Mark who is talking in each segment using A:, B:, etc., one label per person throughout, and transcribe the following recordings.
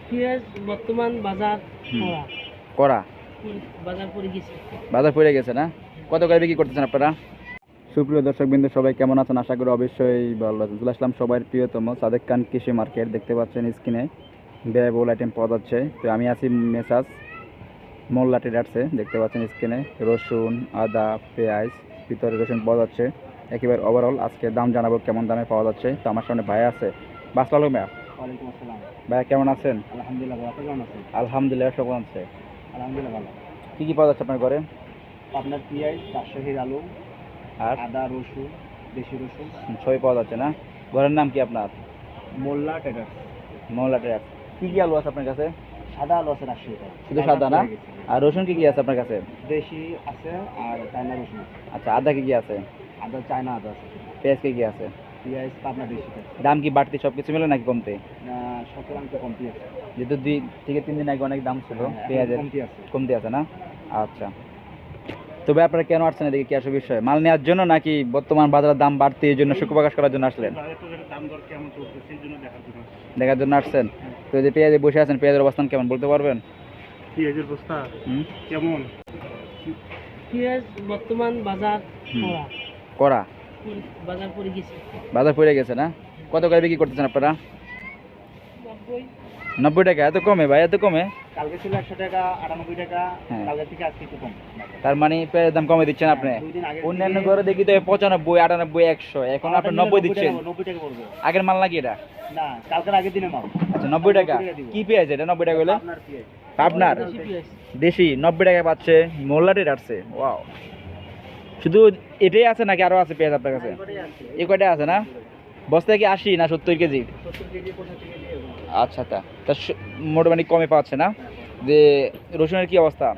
A: পেঁয়াজ বর্তমান বাজার করা
B: করা
A: বাজার পড়ে গেছে।
B: বাজার পড়ে গেছে না? কত করে বিক্রি করতেছেন আপনারা? সুপ্রিয় দর্শকবৃন্দ, সবাই কেমন আছেন? আশা করি অবশ্যই ভালো আছেন। চলে আসলাম সবার প্রিয়তম সাদেক খান কৃষি মার্কেট। দেখতে পাচ্ছেন স্ক্রিনে ব্যয়বহুল আইটেম পাওয়া যাচ্ছে। তো আমি আছি মেসাজ মোল্লা ট্রেডার্সে। দেখতে পাচ্ছেন স্ক্রিনে রসুন, আদা, পেঁয়াজ, ভিতরে রসুন পাওয়া যাচ্ছে। একেবারে ওভারঅল আজকে দাম জানাবো কেমন দামে পাওয়া যাচ্ছে। তো আমার সামনে ভাই আছে, বাসলালু ভাইয়া।
A: ওয়ালাইকুম আসসালাম।
B: ভাইয়া কেমন আছেন?
A: আলহামদুলিল্লাহ ভালো। আপনি কেমন আছেন?
B: আলহামদুলিল্লাহ, সব আছে।
A: আলহামদুলিল্লাহ ভালো।
B: কী কী পাওয়া যাচ্ছে আপনার ঘরে?
A: আপনার পেঁয়াজ, রাজশাহীর আলু,
B: আর
A: আদা, রসুন, দেশি রসুন।
B: সবই পাওয়া যাচ্ছে না? ঘরের নাম কি আপনার?
A: মোল্লা ট্রেডার্স।
B: মোল্লা ট্রেডার্স। কী কী আলু আছে আপনার কাছে?
A: সাদা আলু আছে রাজশাহীতে।
B: শুধু সাদা না? আর রসুন কী কী আছে আপনার কাছে?
A: দেশি আছে আর চায়না রসুন আছে।
B: আচ্ছা, আদা কী কী আছে?
A: আদা চায়না আদা আছে।
B: পেঁয়াজ কী কী আছে?
A: পেঁয়াজ পাবনা দেশি আছে।
B: দাম কি বাড়তি সব কিছু মিলে নাকি কমতে?
A: শতকরাংশ কমতি আছে।
B: যেহেতু 2 থেকে 3 দিন আগে অনেক দাম ছিল
A: হ্যাঁ,
B: পেঁয়াজের,
A: কমতি আছে।
B: কমতে আছে না? আচ্ছা, তবে আপনারা কেন আসছেন এদিকে? কি আসল বিষয়? মাল নেওয়ার জন্য নাকি বর্তমান বাজারের দাম বাড়তি এই জন্য সুখ প্রকাশ করার জন্য আসলেন?
A: দাম দর কেমন চলছে সেই জন্য দেখার জন্য।
B: দেখার জন্য আসছেন? তো এই যে পেঁয়াজে বসে আছেন, পেঁয়াজের অবস্থান কেমন বলতে পারবেন?
A: পেঁয়াজের বস্তা
B: হুম,
A: কেমন? পেঁয়াজ বর্তমান বাজার করা
B: করা
A: বাজার পড়ে গেছে।
B: বাজার পড়ে গেছে না? কত করে বিক্রি করতেছেন আপনারা? 90 টাকা? এত কমে ভাই, এত কমে?
A: কালকে ছিল 100 টাকা, 98 টাকা।
B: হ্যাঁ।
A: কালকে থেকে আজকে একটু কম।
B: তার মানে পেঁয়াজের দাম কমে দিচ্ছেন আপনি?
A: দুই দিন আগে
B: অন্যান্য ঘরে দেখি তো 95, 98, 100, এখন আপনি 90 দিচ্ছেন।
A: 90 টাকা পড়বে।
B: আগের মাল নাকি এটা?
A: না, কালকের আগের দিনে মাল।
B: আচ্ছা, 90 টাকা।
A: দিব।
B: কি পেঁয়াজ এটা 90 টাকা হলে?
A: আপনার পেঁয়াজ।
B: আপনার
A: দেশি পেঁয়াজ।
B: দেশি 90 টাকায় পাচ্ছে, মোল্লা রেট আসছে। ওয়াও, শুধু এটাই আছে নাকি আরো আছে পেঁয়াজ আপনার কাছে?
A: এবারেই আছে।
B: এই কয়টা আছে না? বস্তায় কি 80 না 70 কেজি?
A: 70 কেজি, 85 কেজি এরকম।
B: আচ্ছা, তা মোটামুটি কমে পাচ্ছে না? যে রসুনের কি অবস্থা?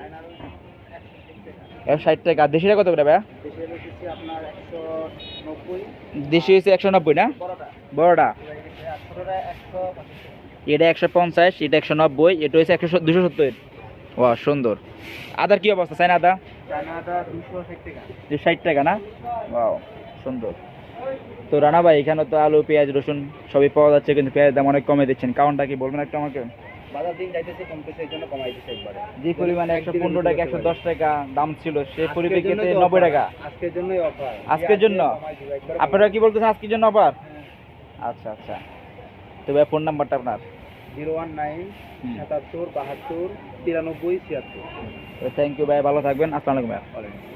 B: 160 টাকা। আর দেশিটা কত করে ভাইয়া?
A: দেশি হলো দিচ্ছি আপনার 190।
B: দেশি হয়েছে 190 না?
A: বড়টা।
B: বড়টা?
A: ছোটটা 150।
B: এটা 150, এটা 190, এটা হয়েছে 270। ওয়া, সুন্দর। আদার কি অবস্থা? চাইনা আদা?
A: চায়নাটা 260 টাকা।
B: 60 টাকা না? ওয়াও, সুন্দর। তো রানা ভাই, এখানে তো আলু, পেঁয়াজ, রসুন সবই পাওয়া যাচ্ছে, কিন্তু পেঁয়াজ দাম অনেক কমে দিচ্ছেন, কারণটা কি বলবেন একটু আমাকে?
A: বাজার দিন যাইতেছে কমতেছে, এই জন্য কমাই দিচ্ছে একবারে।
B: যে পরিমাণে 115 টাকা, 110 টাকা দাম ছিল, সেই পরিপ্রেক্ষিতে 90 টাকা
A: আজকের জন্যই অফার।
B: আজকের জন্য? আপনারা কি বলতেছেন আজকের জন্য আবার? আচ্ছা আচ্ছা, তো ভাই ফোন নাম্বারটা আপনার?
A: 019 77 72 93 76।
B: থ্যাংক ইউ ভাই, ভালো থাকবেন। আসসালামু আলাইকুম ভাই।